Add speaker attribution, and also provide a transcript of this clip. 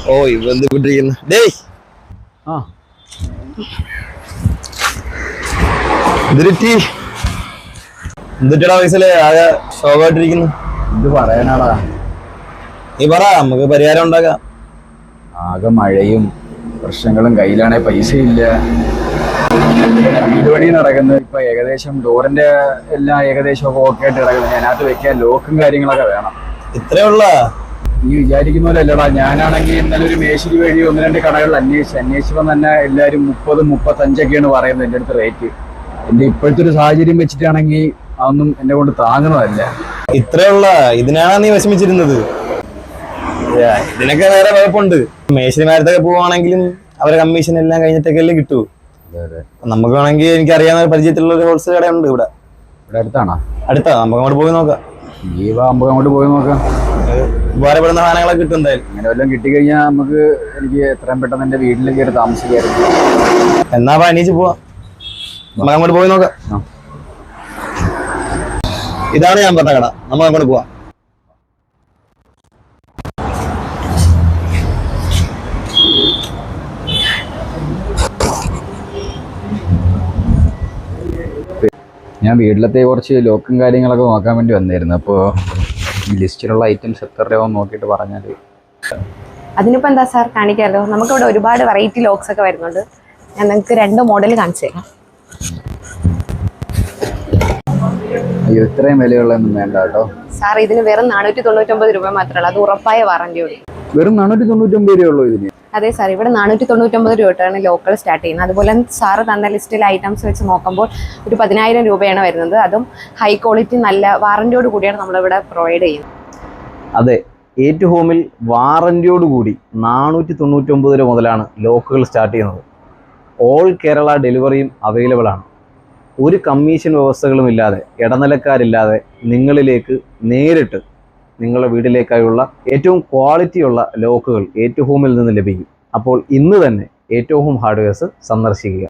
Speaker 1: ഓ ഇവന്തിരിക്കുന്നു ഡേയ്
Speaker 2: ആ
Speaker 1: എന്തിട്ടാ വയസ്സിലെ ആകെ ശോകമായിട്ടിരിക്കുന്നു.
Speaker 2: എന്ത് പറയാനാടാ,
Speaker 1: നീ പറ, നമുക്ക് പരിഹാരം ഉണ്ടാക്കാം.
Speaker 2: ആകെ മഴയും പ്രശ്നങ്ങളും, കയ്യിലാണെ പൈസ ഇല്ല. വീട് പണി നടക്കുന്നത്. ഇപ്പൊ ഏകദേശം ഡോറിന്റെ എല്ലാം ഏകദേശം ഒക്കെ ഓക്കെ ആയിട്ട് കിടക്കുന്നത്. അതിനകത്ത് വെക്കാൻ ലോക്കും കാര്യങ്ങളൊക്കെ വേണം.
Speaker 1: ഇത്രേ ഉള്ള
Speaker 2: നീ വിചാരിക്കുന്ന പോലെ അല്ലടാ. ഞാനാണെങ്കിൽ ഇന്നലെ ഒരു മേശിരി വഴി 1-2 കടകളിൽ അന്വേഷിച്ചപ്പോൾ തന്നെ എല്ലാവരും 30-35 പറയുന്നത് എൻ്റെ അടുത്ത് റേറ്റ്. എൻ്റെ ഇപ്പോഴത്തെ ഒരു സാഹചര്യം വെച്ചിട്ടാണെങ്കിൽ അതൊന്നും എന്നെ കൊണ്ട് താങ്ങുന്നതല്ല.
Speaker 1: ഇത്രേ ഉള്ള ഇതിനാണ് നീ വിഷമിച്ചിരുന്നത്. ഇതിനൊക്കെ വേറെ കുഴപ്പമുണ്ട്. മേശരിമാരത്തൊക്കെ പോവാണെങ്കിലും അവരെ കമ്മീഷൻ എല്ലാം കഴിഞ്ഞിട്ടൊക്കെ അല്ലേ കിട്ടൂ. നമുക്ക് വേണമെങ്കിൽ എനിക്ക് അറിയാവുന്ന പരിചയത്തിലുള്ള ഒരു ഹോൾസെയിൽ കടയുണ്ട് ഇവിടെ.
Speaker 2: അടുത്താണോ?
Speaker 1: അടുത്താ, നമുക്ക് അങ്ങോട്ട് പോയി നോക്കാം.
Speaker 2: അങ്ങോട്ട് പോയി നോക്കാം.
Speaker 1: ഉപകാരപ്പെടുന്ന സാധനങ്ങളൊക്കെ കിട്ടും എന്തായാലും.
Speaker 2: അങ്ങനെ വല്ലതും കിട്ടിക്കഴിഞ്ഞാൽ എനിക്ക് എത്രയും പെട്ടെന്ന് എൻ്റെ വീട്ടിൽ കയറി താമസിക്കായിരുന്നു.
Speaker 1: എന്നാ എണീച്ച് പോവാം, നമുക്ക് അങ്ങോട്ട് പോയി നോക്കാം. ഇതാണ് ഞാൻ പറഞ്ഞ കട, നമുക്ക് അങ്ങോട്ട് പോവാം.
Speaker 2: ഞാൻ വീട്ടിലത്തെ കുറച്ച് ലോക്കും കാര്യങ്ങളൊക്കെ നോക്കാൻ വേണ്ടി വന്നായിരുന്നു. അപ്പോൾ ഈ ലിസ്റ്റിലുള്ള ഐറ്റംസ് എത്ര രൂപ നോക്കിയിട്ട് പറഞ്ഞാൽ.
Speaker 3: അതിനിപ്പോൾ എന്താ സാർ, കാണിക്കാമല്ലോ. നമുക്കിവിടെ ഒരുപാട് വെറൈറ്റി ലോക്സ് ഒക്കെ വരുന്നുണ്ട്. ഞാൻ നിങ്ങൾക്ക് 2 മോഡൽ കാണിച്ചു തരാം.
Speaker 2: അയ്യോ, ഇത്രയും വിലയുള്ളതൊന്നും വേണ്ട കേട്ടോ
Speaker 3: സാർ. ഇതിന് വെറും 499 രൂപ മാത്രമേ ഉള്ളൂ. അത് ഉറപ്പായ വാറന്റിയോട്.
Speaker 2: വെറും 499 രൂപയുള്ളൂ ഇതിന്?
Speaker 3: അതെ സാർ, ഇവിടെ 499 രൂപയാണ് ലോക്കൽ സ്റ്റാർട്ട് ചെയ്യുന്നത്. അതുപോലെ സാറ് തന്ന ലിസ്റ്റിലെ ഐറ്റംസ് വെച്ച് നോക്കുമ്പോൾ ഒരു 10,000 രൂപയാണ് വരുന്നത്. അതും ഹൈ ക്വാളിറ്റി നല്ല വാറന്റിയോട് കൂടിയാണ് നമ്മളിവിടെ പ്രൊവൈഡ് ചെയ്യുന്നത്.
Speaker 1: അതെ, ഏറ്റു ഹോമിൽ വാറന്റിയോട് കൂടി 499 രൂപ മുതലാണ് ലോക്കുകൾ സ്റ്റാർട്ട് ചെയ്യുന്നത്. ഓൾ കേരള ഡെലിവറിയും അവൈലബിൾ ആണ്. ഒരു കമ്മീഷൻ വ്യവസ്ഥകളും ഇല്ലാതെ, ഇടനിലക്കാരില്ലാതെ നിങ്ങളിലേക്ക് നേരിട്ട് നിങ്ങളുടെ വീട്ടിലേക്കായുള്ള ഏറ്റവും ക്വാളിറ്റിയുള്ള ലോക്കുകൾ ഏറ്റു ഹോമിൽ നിന്ന് ലഭിക്കും. അപ്പോൾ ഇന്ന് തന്നെ ഏറ്റു ഹോം ഹാർഡ്വെയർസ് സന്ദർശിക്കുക.